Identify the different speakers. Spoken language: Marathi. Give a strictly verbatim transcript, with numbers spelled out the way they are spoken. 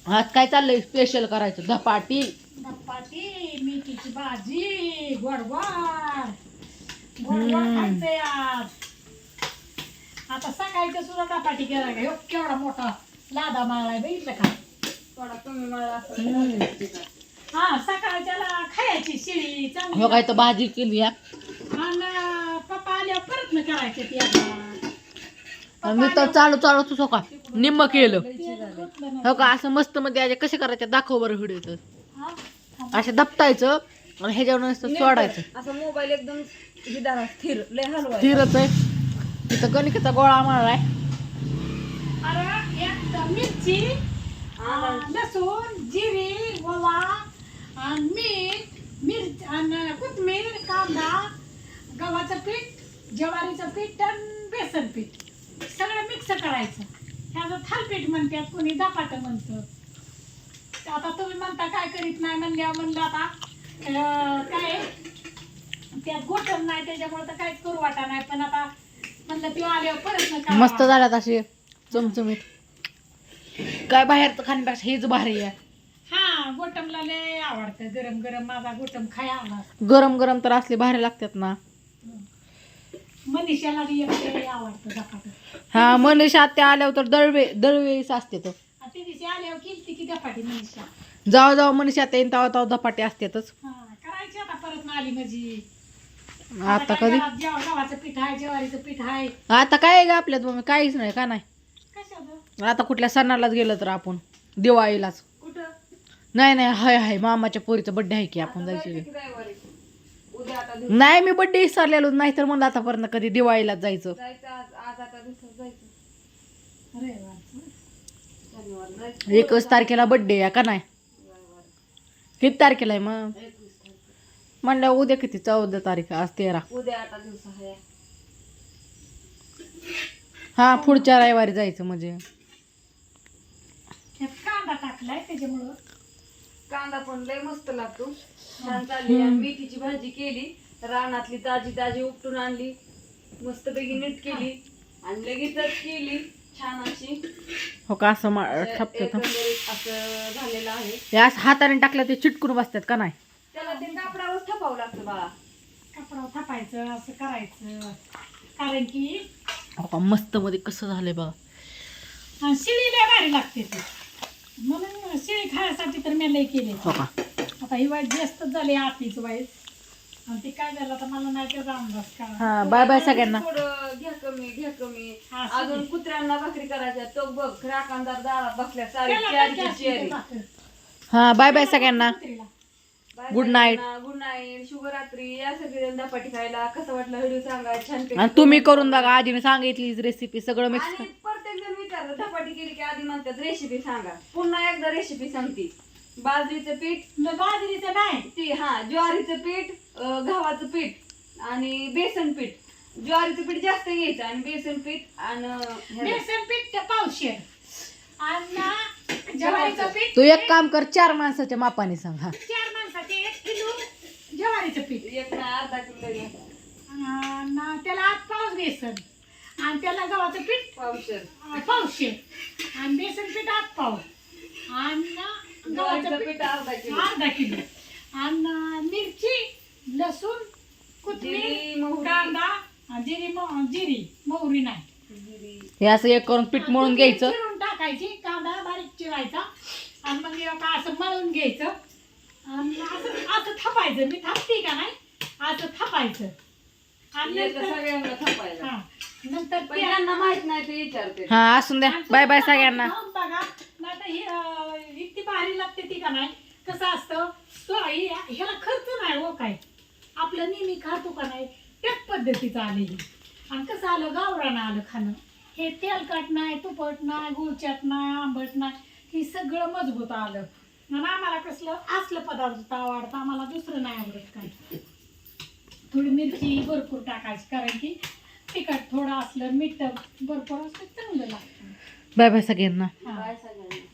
Speaker 1: आज काय चाललंय स्पेशल करायचं? धपाटी
Speaker 2: धपाटी, मेथीची भाजी, गोडवार गोडवार खायचंय आज. आता सकाळचं सुद्धा धपाटी केला का? ह्यो केवढा मोठा लादा माळाय बघितलं का?
Speaker 3: थोडा कमी मला
Speaker 2: हा सकाळच्याला खायची शिळी
Speaker 1: हो
Speaker 2: चांगली.
Speaker 1: काय तर भाजी केली या.
Speaker 2: आणि पप्पा आल्यावर परत न करायचे ती आता.
Speaker 1: मी तर चालू चालू तुझं का निम्म केलं
Speaker 2: गुतलं नाही.
Speaker 1: हो का. असं मस्त मध्ये आज कसे करायचे दाखव बरं व्हिडिओ तर.
Speaker 2: हा?
Speaker 1: असे दपटायचं आणि ह्याच्यावर नुसतं सोडायचं.
Speaker 3: असं मोबाईल एकदम विदारा स्थिर लय हलवाय
Speaker 1: स्थिरच आहे. तिथं गणिकाचा गोळा मारलाय.
Speaker 2: अरे एक मिरची, अं, लसूण, जिरी, ओवा, आणि मीठ, मिरच आणि कोथिंबीर, कांदा, गव्हाचं पीठ, ज्वारीचं पीठ आणि बेसन पीठ सगळं मिक्स करायचं. ह्याचं थालपीठ म्हणतात, कोणी धपाटं म्हणतं. आता तुम्ही म्हणता काय करीत नाही म्हणल्यावर म्हणलं आता अं, काय त्यात गोठण नाही त्याच्यामुळे तर काहीच करू वाटा नाही. पण आता म्हणलं ती आल्यावर परत न करावं.
Speaker 1: मस्त झाल्यात असे चमचमीत. काय बाहेरचं खाण्यापेक्षा हेच भारी आहे.
Speaker 2: हा गोटमला लय आवडतं गरम गरम. माझा गोटम खाया आला.
Speaker 1: गरम गरम तर असले भारी लागतात ना.
Speaker 2: मनीषाला बी एक लय आवडतं धपाटं.
Speaker 1: हा मनीषा त्या आल्यावर तर दळवे दळवेळीच असते तर.
Speaker 2: आणि ती दिवशी आल्यावर केली की धपाटी मनीषा.
Speaker 1: जाऊ जाऊ मनीषा येईन तेव्हा तेव्हा धपाटे असतातच.
Speaker 2: हा करायची आता परत ना आली माझी.
Speaker 1: आता कधी
Speaker 2: गव्हाचं पीठ आहे, ज्वारीचं पीठ आहे.
Speaker 1: आता काय आहे ग आपल्यात मग काहीच नाही का नाही.
Speaker 2: कशाचं?
Speaker 1: आता कुठल्या सणालाच गेलं तर आपण दिवाळीलाच.
Speaker 3: कुठं
Speaker 1: नाही नाही हाय हाय मामाच्या पोरीचा बर्थडे आहे की आपण जायचं.
Speaker 3: रविवारी उद्या आता दिवस
Speaker 1: नाही मी बर्थडे विसरलेलो नाही तर म्हणलं आतापर्यंत कधी दिवाळीलाच जायचं.
Speaker 3: जायचं आज आज आता दिवसात जायचं
Speaker 2: अरे वा.
Speaker 3: शनिवार जायचं
Speaker 1: एकच तारखेला बर्थडे आहे का नाही.
Speaker 3: रविवारी
Speaker 1: किती तारखेला आहे मग
Speaker 3: एकवीस तारखेला.
Speaker 1: म्हणलं उद्या किती चौदा तारीख आज तेरा.
Speaker 3: उद्या आता दिवस आहे
Speaker 1: हा पुढच्या रविवारी जायचं म्हणजे.
Speaker 2: त्यात कांदा टाकलाय त्याच्यामुळं.
Speaker 3: कांदा पण लय मस्त लागतो. छान चालली. आणि मेथीची भाजी केली रानातली ताजी ताजी उपटून आणली मस्तपैकी नीट केली आणि लगेचच केली छान अशी.
Speaker 1: हो का असं मा- ठपतं तर.
Speaker 3: एकंदरीत असं झालेलं आहे.
Speaker 1: हे असं हाताने टाकलं ते चिटकून बसतात का नाही.
Speaker 3: त्याला ते कापडावर ठपावं लागतं बाळा.
Speaker 2: कपडा थापायचं असं करायचं. कारण की
Speaker 1: हो का मस्त मध्ये कसं झालंय बघा.
Speaker 2: आणि शिळी लय भारी लागते ती. म्हणून शिळी खाण्यासाठी तर मी लय केले.
Speaker 1: हो का
Speaker 2: आता ही वाईट जास्तच झाली आतीच वाईट. आणि ती काय झालं आता मला नाही त्याचा अंदाज का.
Speaker 1: हा बाय बाय सगळ्यांना.
Speaker 3: थोडं घ्या कमी घ्या कमी.
Speaker 2: हा,
Speaker 3: अजून कुत्र्यांना भाकरी करायच्या तो बघ राखणदार दारात बसल्या सारी
Speaker 2: त्याला
Speaker 3: चारची
Speaker 2: काय असते
Speaker 3: चेअरी.
Speaker 2: ते भाकर.
Speaker 1: हा बाय बाय सगळ्यांना.
Speaker 2: कुत्रीला.
Speaker 1: Good night.
Speaker 3: गुड नाईट शुभरात्री. या सगळे धपाटी खायला कसं वाटलं व्हिडिओ सांगा छान.
Speaker 1: आणि तुम्ही करून बघा आजीने सांगितली रेसिपी सगळं मिक्स.
Speaker 3: आणि प्रत्येक जण विचारलं धपाटी केली की आधी म्हणतात रेसिपी सांगा. पुन्हा एकदा रेसिपी सांगते. बाजरीचं पीठ
Speaker 2: न बाजरीचं नाही.
Speaker 3: ती हा ज्वारीचं पीठ अं, गव्हाचं पीठ आणि बेसन पीठ. ज्वारीचं पीठ जास्त घ्यायचं आणि बेसन पीठ आणि ह्याला-
Speaker 2: बेसन पीठ पावशेर आणि ज्वारीचं पीठ
Speaker 1: तू एक काम कर चार माणसाच्या मापाने सांग. हा
Speaker 2: चार माणसाचे एक किलो ज्वारीचं पीठ.
Speaker 3: एक नाही अर्धा किलो घ्या.
Speaker 2: आणि त्याला आठ पाऊस बेसन आणि त्याला गव्हाचं पीठ
Speaker 3: पावशेर
Speaker 2: अं, पावशेर आणि बेसन पीठ आठ पाव आणि गव्हाचं
Speaker 3: ज्वारीचं
Speaker 2: पीठ
Speaker 3: पीठ अर्धा किलो.
Speaker 2: अर्धा किलो आणि मिरची लसूण
Speaker 3: जिरी,
Speaker 2: कोथिंबीर
Speaker 3: मोहरी.
Speaker 2: कांदा आणि जिरी मो- जिरी मोहरी नाही.
Speaker 3: जिरी.
Speaker 1: हे असं एक करून पीठ मळून घ्यायचं.
Speaker 2: चिरून टाकायची कांदा बारीक चिरायचा आणि मग हे का असं मळून घ्यायचं आणि असं असं थापायचं. मी थापते का नाही असं थापायचं आणि
Speaker 3: याचं
Speaker 2: नंतर
Speaker 3: सगळ्यांना थापायला.
Speaker 2: हा नंतर
Speaker 3: पण
Speaker 2: ते
Speaker 3: ज्यांना माहित नाही ते विचारते.
Speaker 1: हा असून द्या बाय बाय सगळ्यांना.
Speaker 2: खाऊन बघा नाही तर ही अं, इतकी भारी लागते ती का नाही. कसं असतं तो हि- ह्याला खर्च नाही हो काय. आपलं नेहमी खातो का नाही त्याच पद्धतीचं आलेली. आणि कसं आलं गावरानं आलं खाणं. हे तेलकट नाही तुपट नाही गुळचाट नाही आंबट नाही हे सगळं मजबूत आलं. आणि आम्हाला कसलं असलं पदार्थ आवडतं. आम्हाला दुसरं नाही आवडत काय. थोडी मिरची भरपूर टाकायची कारण की तिखट थोडं असलं मीठ भरपूर असलं चांगलं लागतं.
Speaker 1: बाय बाय सगळ्यांना.
Speaker 2: हा.
Speaker 3: काय सगळ्यांना